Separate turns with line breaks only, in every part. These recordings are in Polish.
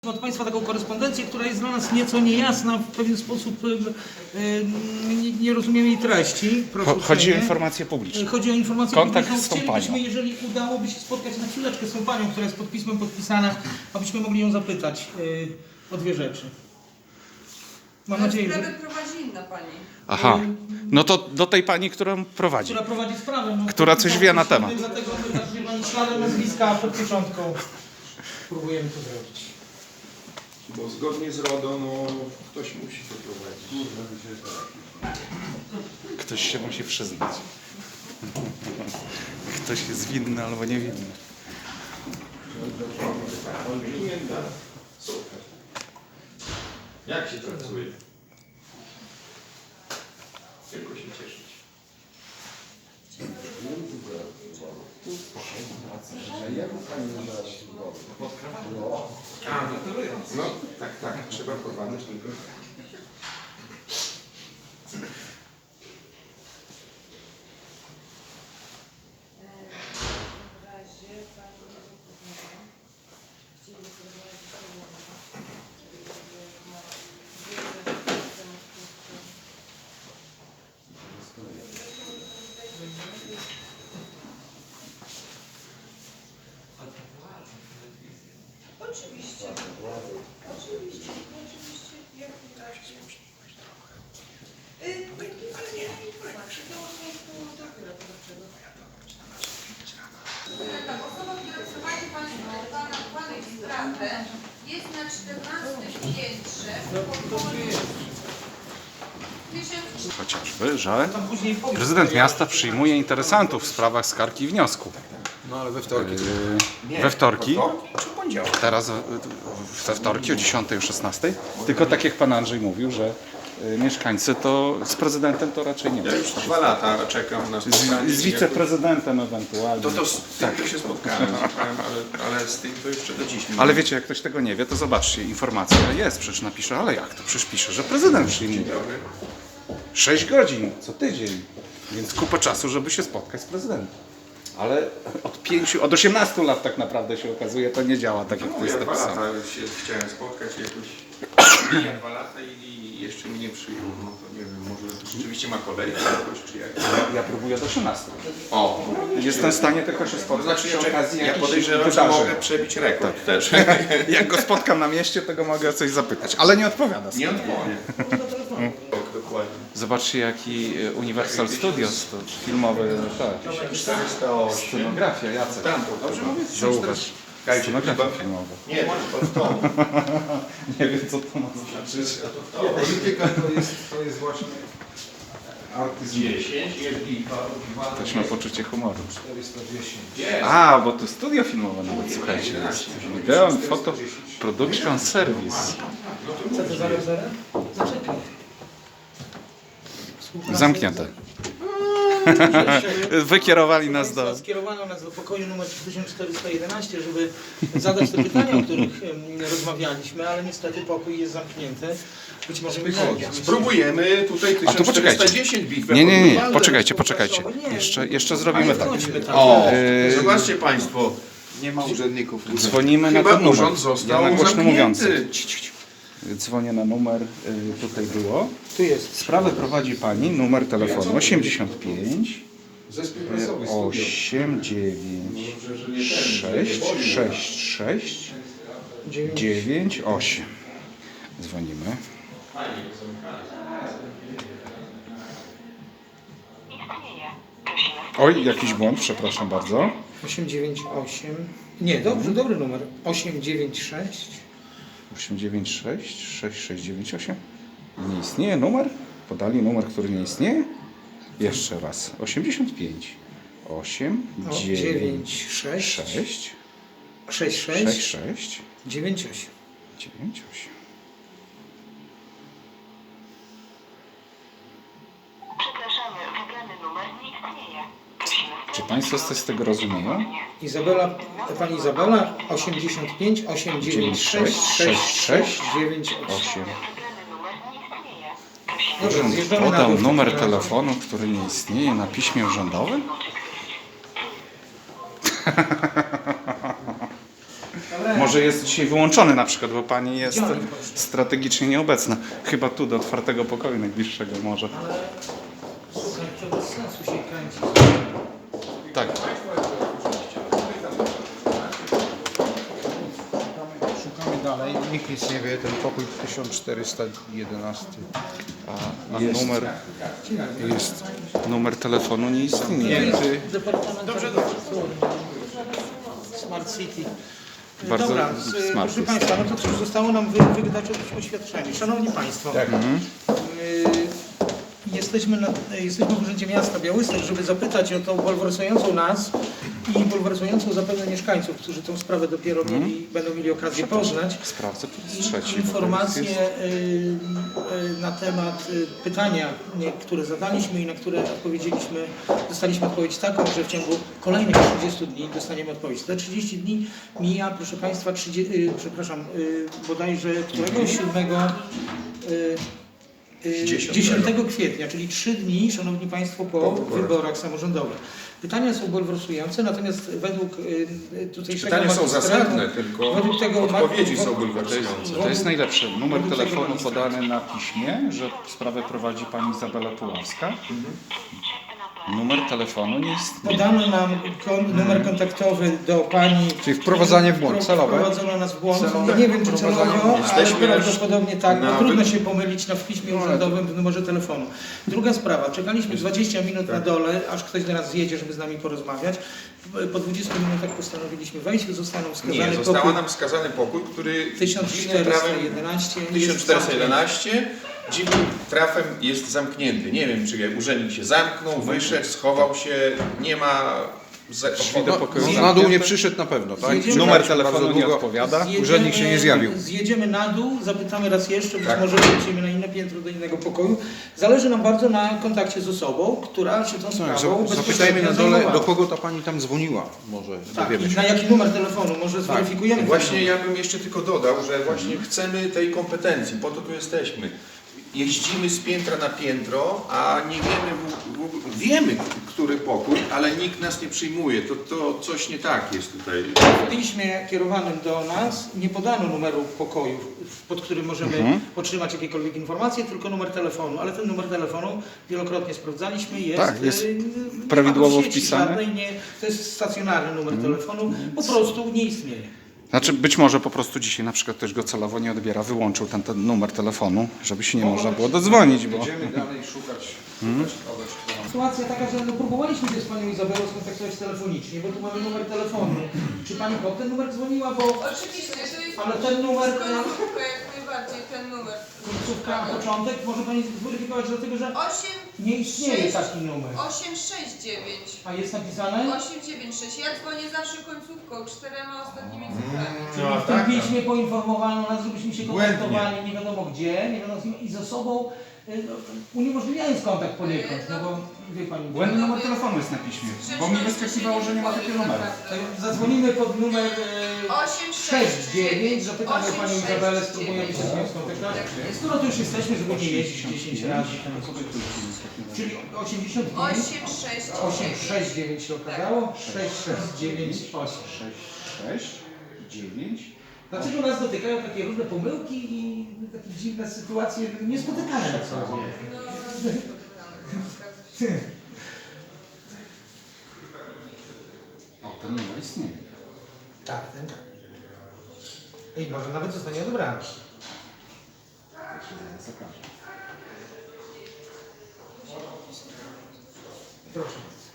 Od Państwa taką korespondencję, która jest dla nas nieco niejasna, w pewien sposób nie rozumiemy jej treści.
Chodzi o informację publiczną.
Chodzi o informację
Kontakt
publiczną.
z tą panią.
Chcielibyśmy, jeżeli udałoby się spotkać na chwileczkę z tą panią, która jest pod pismem podpisana, abyśmy mogli ją zapytać o dwie rzeczy. Mam nadzieję, że...
Sprawę prowadzi inna pani.
Aha, no to do tej pani, którą prowadzi.
Która prowadzi sprawę. No,
Która coś wie na temat.
Dlatego my tak, wie pani, śladem nazwiska pod pieczątką próbujemy to zrobić.
Bo zgodnie z RODO, no ktoś musi to prowadzić.
Ktoś się musi przyznać. Ktoś jest winny albo niewinny.
Super. Jak się pracuje? Tylko się cieszyć. A, no tak, trzeba prowadzić tylko.
Oczywiście. Oczywiście. Jak najbardziej. Ale nie, informacji. To dopiero podawczego. Tak, osoba, która prowadzi Pani sprawę jest na 14 piętrze w pokoju 1000.
Chociażby, że
Tam później powiem.
prezydent miasta przyjmuje interesantów w sprawach skarg i wniosku.
No ale we wtorki.
We wtorki,
Czy poniedziałek?
teraz we wtorki o 10 o 16. Tylko tak jak pan Andrzej mówił, że mieszkańcy to z prezydentem to raczej nie ma.
Ja już 2 lata czekam na spotkanie.
Z wiceprezydentem ewentualnie.
To z tym to się spotkałem, ale z tym to jeszcze do dziś.
Ale wiecie, jak ktoś tego nie wie, to zobaczcie, informacja jest, przecież napisze, ale jak to? Przecież pisze, że prezydent przyjmuje. 6 godzin co tydzień, więc kupę czasu, żeby się spotkać z prezydentem. Ale od 18 lat tak naprawdę się okazuje, to nie działa tak, jak to
No,
jest
ja 2
napisane.
lata się chciałem spotkać jakoś. Ja 2 lata i jeszcze mnie nie przyjął. No to nie wiem, może rzeczywiście ma kolejkę jakoś, czy jak.
Ja próbuję od 18.
O,
Jestem w stanie tylko się
to
spotkać
znaczy
przy okazji
ja
jakichś
podejrzewam, że
wydarzeń.
mogę przebić rekord też.
Jak go spotkam na mieście, to go mogę o coś zapytać, ale nie odpowiada.
Nie odpowiem. Dokładnie.
Zobaczcie, jaki Universal Studios, to filmowy, tak,
408.
scenografia, Jacek.
Tam, to dobrze mówię?
Zauważ, scenografia filmowa.
Nie, od to.
Nie wiem, co to ma znaczyć.
Polityka to jest właśnie artyzm 10, jeżeli
Ktoś ma poczucie humoru.
410.
A, bo to studio filmowe nawet, słuchajcie, jest. Video and Photo Production Service.
Co to za rezerwę? Zaczekaj.
Zamknięte. Wykierowali nas do...
Skierowano nas do pokoju numer 1411, żeby zadać te pytania, o których rozmawialiśmy, ale niestety pokój jest zamknięty. Być może mi
Spróbujemy tutaj
A tu poczekajcie.
1410 bitwę.
Nie, poczekajcie. Jeszcze zrobimy tak.
O, zobaczcie Państwo. Nie ma urzędników.
Dzwonimy na
Chyba
ten numer.
urząd został
Ja na głośno
zamknięty.
mówiący. Dzwonię na numer, tutaj było.
Tu jest.
Sprawę prowadzi pani, numer telefonu 85 896 66 98. Dzwonimy. Oj, jakiś błąd, przepraszam bardzo.
898. Nie, dobry numer. 896.
896 6698. Nie istnieje numer? Podali numer, który nie istnieje? Jeszcze raz. 85 8 9
96
6
66
66
98.
98.
Przepraszamy, wybrany numer nie istnieje. Prosimy
Czy Państwo coś z tego rozumieją?
Pani Izabela 85 896 66 98.
8.
wybrany numer nie istnieje. Prosimy
Dobrze, zjeżdżamy na
Podał
dół.
numer telefonu, który nie istnieje na piśmie urzędowym?
Dobra.
może jest dzisiaj wyłączony na przykład, bo pani jest
Gdzie oni poszli?
strategicznie nieobecna. Chyba tu do otwartego pokoju najbliższego może.
Ale słuchaj, to bez sensu się kręci.
Tak.
Szukamy dalej, nikt nic nie wie, ten pokój 1411.
A numer telefonu nie istnieje.
Departament Smart City.
Bardzo
Dobra,
smart
proszę
jest.
Państwa, no to cóż, zostało nam wydać oświadczenie. Szanowni Państwo, jesteśmy w Urzędzie Miasta Białystok, żeby zapytać o tą bulwersującą nas i bulwersującą zapewne mieszkańców, którzy tą sprawę dopiero będą mieli okazję poznać.
Sprawdzę, tu jest
I
trzeci.
informacje
Jest-
na temat pytania, które zadaliśmy i na które dostaliśmy odpowiedź taką, że w ciągu kolejnych 30 dni dostaniemy odpowiedź. Te 30 dni mija, proszę Państwa, bodajże któregoś 10 kwietnia, czyli 3 dni, Szanowni Państwo, po wyborach samorządowych. Pytania są bulwersujące, natomiast według tutejszego
Pytania są
magistratu,
zasadne, tylko
według tego
odpowiedzi są bulwersujące.
To jest najlepsze. Numer
Według tego
telefonu
magistratu.
podany na piśmie, że sprawę prowadzi pani Izabela Puławska. Numer telefonu nie istnieje.
Podano nam numer kontaktowy do pani.
Czyli wprowadzanie w błąd, celowe?
Wprowadzono nas w błąd. Nie wiem czy celowo, ale
Jesteśmy
prawdopodobnie tak. No,
na
trudno się pomylić w piśmie urzędowym w numerze telefonu. Druga sprawa. Czekaliśmy 20 minut na dole, aż ktoś do nas zjedzie, żeby z nami porozmawiać. Po 20 minutach postanowiliśmy wejść. Zostaną wskazany
Nie,
pokój
został nam wskazany pokój, który dziwnym trafem
1411.
1411 dziwnym trafem jest zamknięty. Nie wiem, czy urzędnik się zamknął, wyszedł, schował się, nie ma...
Drzwi do pokoju
Na dół
zamknięte.
nie przyszedł na pewno, tak?
Zjedziemy-
Numer
Bardzo
telefonu nie
długo.
odpowiada.
Urzędnik się nie zjawił.
Zjedziemy na dół, zapytamy raz jeszcze, być
Tak.
może wrócimy na inne piętro do innego pokoju. Zależy nam bardzo na kontakcie z osobą, która się tą sprawą
Zapytajmy
bezpośrednio
na dole,
zajmowała.
do kogo ta pani tam dzwoniła. Może
Tak,
dowiemy
i
się.
na jaki numer telefonu, może zweryfikujemy.
Właśnie
ten
ja bym jeszcze tylko dodał, że właśnie chcemy tej kompetencji, po to tu jesteśmy. Jeździmy z piętra na piętro, a nie wiemy, wiemy, który pokój, ale nikt nas nie przyjmuje. To coś nie tak jest tutaj.
W piśmie kierowanym do nas nie podano numeru pokoju, pod którym możemy otrzymać jakiekolwiek informacje, tylko numer telefonu. Ale ten numer telefonu wielokrotnie sprawdzaliśmy, jest,
Tak, jest
nie ma
prawidłowo
tu sieci
wpisany.
żadnej, to jest stacjonarny numer telefonu, po prostu nie istnieje.
Znaczy być może po prostu dzisiaj na przykład ktoś go celowo nie odbiera, wyłączył ten numer telefonu, żeby się nie można było dodzwonić, bo...
Będziemy dalej szukać kogoś, kto nam...
Sytuacja taka, że próbowaliśmy się z panią Izabelą skontaktować telefonicznie, bo tu mamy numer telefonu. Czy pani pod ten numer dzwoniła, bo
Oczywiście, to jest
ale ten numer,
końcówka, jak najbardziej ten numer.
końcówka, początek, może pani zweryfikować, dlatego że
8,
nie istnieje taki numer.
869.
A jest napisane?
896. Ja dzwonię zawsze końcówką, 4 ostatnimi cyframi.
Czyli w tym piśmie poinformowano nas, żebyśmy się kontaktowali nie wiadomo gdzie, nie wiadomo z kim i ze sobą, uniemożliwiając kontakt poniekąd, no bo wie pani.
Błędny numer telefonu jest na piśmie, bo mi wyskakiwało, że nie ma takiego numeru.
Zadzwonimy pod numer 69,
869,
zapytamy panią Izabelę, spróbujemy się z nią skontaktować. Skoro tu już jesteśmy, żeby nie jeździć 10 razy, czyli 80 dni,
869.
869 się okazało, 669, 8.
6, 9.
Dlaczego nas dotykają takie różne pomyłki i takie dziwne sytuacje niespotykane na co dzień?
O, ten numer istnieje.
Tak, ten tak. I może nawet zostanie odebrany.
Zakażę.
Proszę.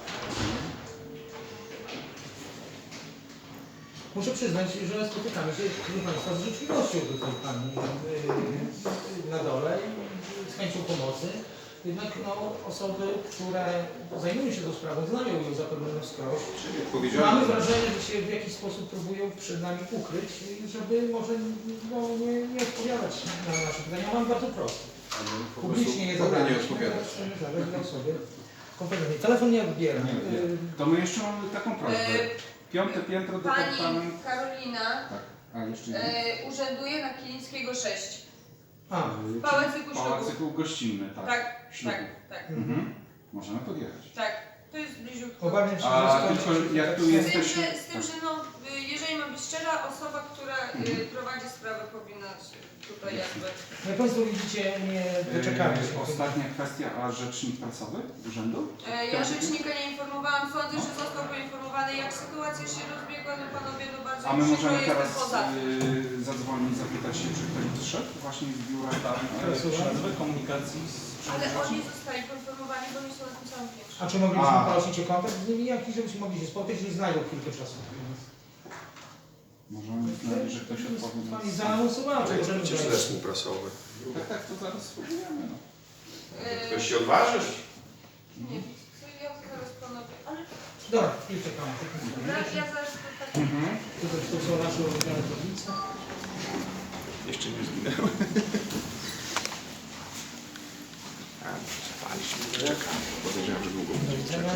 Muszę przyznać, że spotykamy się, proszę Państwa, z życzliwością do tej pani na dole i z chęcią pomocy. Jednak no, osoby, które zajmują się tą sprawą, znają ją zapewne na wskroś. Mamy wrażenie, że się w jakiś sposób próbują przed nami ukryć, żeby może nie odpowiadać na nasze pytania. Mam bardzo proste. Publicznie je zadać.
nie odpowiadać.
Zadać dla osoby kompetentnej. Telefon nie odbiera.
To my jeszcze mamy taką prośbę. Piąte piętro,
Pani
departament...
Karolina
Tak, a jeszcze nie.
urzęduje na Kilińskiego 6.
A,
Pałacyku Ślubów.
Pałacyku gościnny, tak.
Tak,
Ślubów.
tak.
Mhm. Możemy podjechać.
Tak. To jest bliziutko.
Obawiam się,
A
że skończy
tylko
się
jak
tak
tu
samo.
jesteśmy...
Z tym, że no, jeżeli mam być szczera, osoba, która prowadzi sprawę, powinna się tutaj jakby...
Jak Państwo widzicie, nie doczekamy się.
Ostatnia kwestia, a rzecznik prasowy urzędu?
Ja rzecznika nie informowałam, sądzę, że został poinformowany, jak sytuacja się rozbiegła, no panowie, no bardzo
A my
przykro,
możemy
jestem
teraz
poza tym.
zadzwonić, zapytać się, czy ktoś szedł właśnie z biura tam przerwy komunikacji z
Ale oni zostali poinformowani, bo oni są na tym samym piętrze.
A czy mogliśmy
A.
prosić o kontakt z nimi jakiś, żebyśmy mogli się spotkać i znajdą chwilkę czasu?
Możemy znaleźć, że ktoś odpowie na...
Pani zaanonsowała, czy możemy
Przecież
wejść?
zespół prasowy.
Tak, to zaraz spróbujemy. No.
Ktoś się odważysz?
Nie, co ja zaraz panowie, ale
Dobra, i czekamy.
ja zaraz to tak...
Tutaj to są nasze ulubione tablice.
Jeszcze nie zginęły. Podejrzewam, że długo
Do widzenia.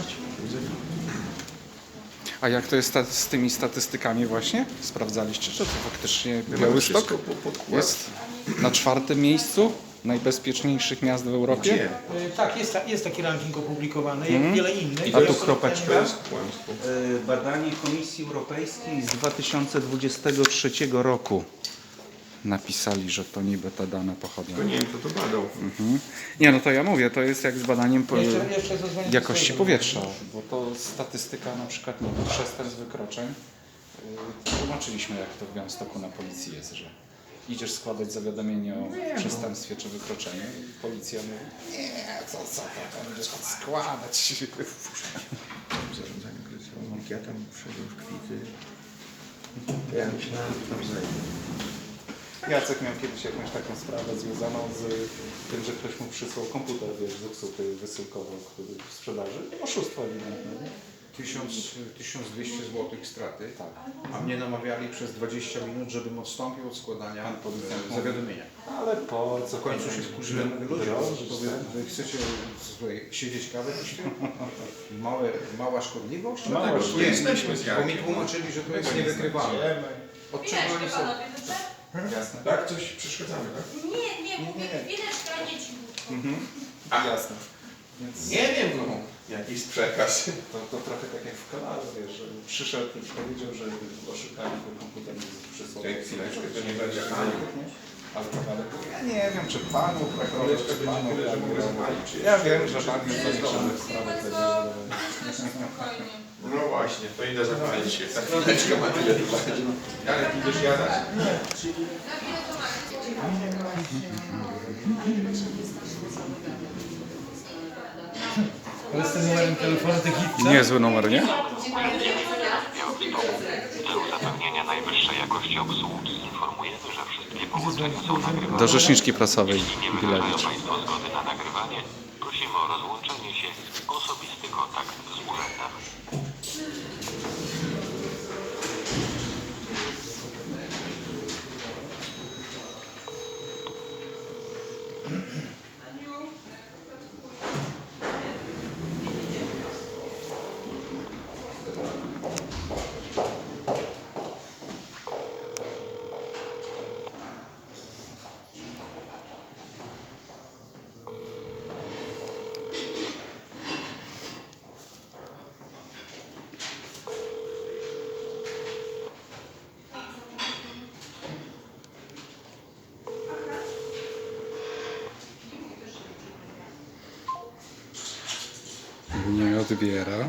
A jak to jest z tymi statystykami właśnie? Sprawdzaliście, że to faktycznie
mamy
Białystok
wszystko podkład.
jest na 4. miejscu najbezpieczniejszych miast w Europie?
Gdzie?
Tak, jest taki ranking opublikowany, jak wiele innych.
A tu kropeczka.
To jest kłamstwo.
Badanie Komisji Europejskiej z 2023 roku. Napisali, że to niby te dane pochodzą.
To nie wiem, kto to badał.
Nie, no to ja mówię, to jest jak z badaniem
Jeszcze zadzwonię do
jakości
swojego.
powietrza, bo to statystyka na przykład nie wiem, przestępstw, wykroczeń. Tłumaczyliśmy, jak to w Białymstoku na policji jest, że idziesz składać zawiadomienie o przestępstwie czy wykroczeniu i policja mówi, nie, co to będziesz składać.
Zarządzanie kryzysowym. Jak ja tam wszedłem w kwity. Ja myślałem, że tam znajdę.
Jacek miał kiedyś jakąś taką sprawę związaną z tym, że ktoś mu przysłał komputer, wiesz, zepsuty, wysyłkowo, który w sprzedaży. Oszustwo ewidentne.
1200 zł straty,
Tak.
a mnie namawiali przez 20 minut, żebym odstąpił od składania
Pan policjant
zawiadomienia.
Ale po co?
W końcu się wkurzyłem, mówię, ludzie,
Drożyć,
to wy chcecie słuchaj, siedzieć kawę piście? Mała szkodliwość?
Mała
Dlatego,
szkodliwość.
nie,
Jesteśmy z
bo mi
Jankiem.
tłumaczyli, że to jest niewykrywalne. Odczytali
Chwileczkę
sobie.
panowie, dobrze?
Jasne.
Tak? Coś przeszkadzamy, tak?
Nie, mówię chwileczkę, a nie cichutko.
Jasne. Więc
Nie wiem, no. Jakiś przekaz.
to trochę tak jak w kanale, wiesz, że przyszedł i powiedział, że oszukali go komputer i przysłał.
Czekaj chwileczkę, to nie będzie Aniu.
Ale ja nie wiem, czy panu prokuror, czy panu
że mogę zapalić, czy
Ja
jeszcze-
wiem, że pan jest
Nie,
zaliczony w sprawę.
Państwo, myślę, że spokojnie.
No właśnie, to idę zapalić się. Ta chwileczka ma tyle trwać. Ale ty będziesz jadać?
Na ile to macie?
Ale z tym numerem telefonu to hit.
Niezły numer, nie?
W celu zapewnienia najwyższej jakości obsługi informujemy, że wszystkie połączenia są nagrywane.
Do rzeczniczki prasowej
Jeśli nie wyrażają
Bilewicz.
Państwo zgody na nagrywanie, prosimy o rozłączenie się, osobisty kontakt z urzędem.
Nie odbiera.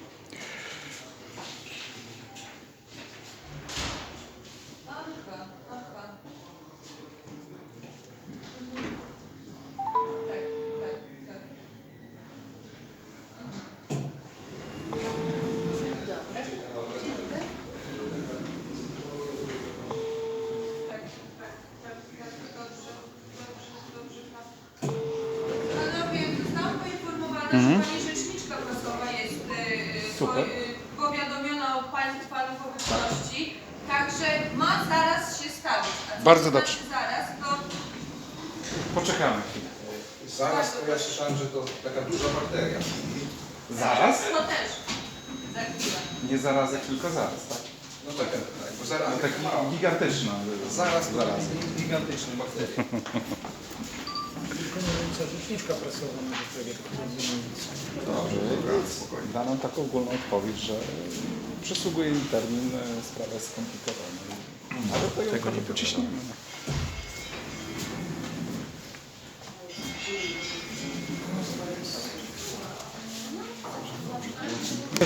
Aha. Tak, tak, tak. Panowie, zostałam poinformowana, że pani rzeczniczka prasowa jest
Super.
powiadomiona o Państwa obecności, także ma zaraz się stawić. A co
Bardzo
to
dobrze.
znaczy zaraz, to
Poczekamy chwilę.
Zaraz to ja słyszałem, że to taka duża bakteria.
Zaraz?
to też za chwilę.
Nie zaraz, tylko zaraz, tak?
No tak, bo zaraz,
Taki gigantyczny.
zaraz, gigantyczny bakteria.
wykonująca rzeczniczka prasowa może powiedzieć,
Da nam taką ogólną odpowiedź, że przysługuje im termin, sprawa jest skomplikowana. Ale to ją trochę pociśniemy.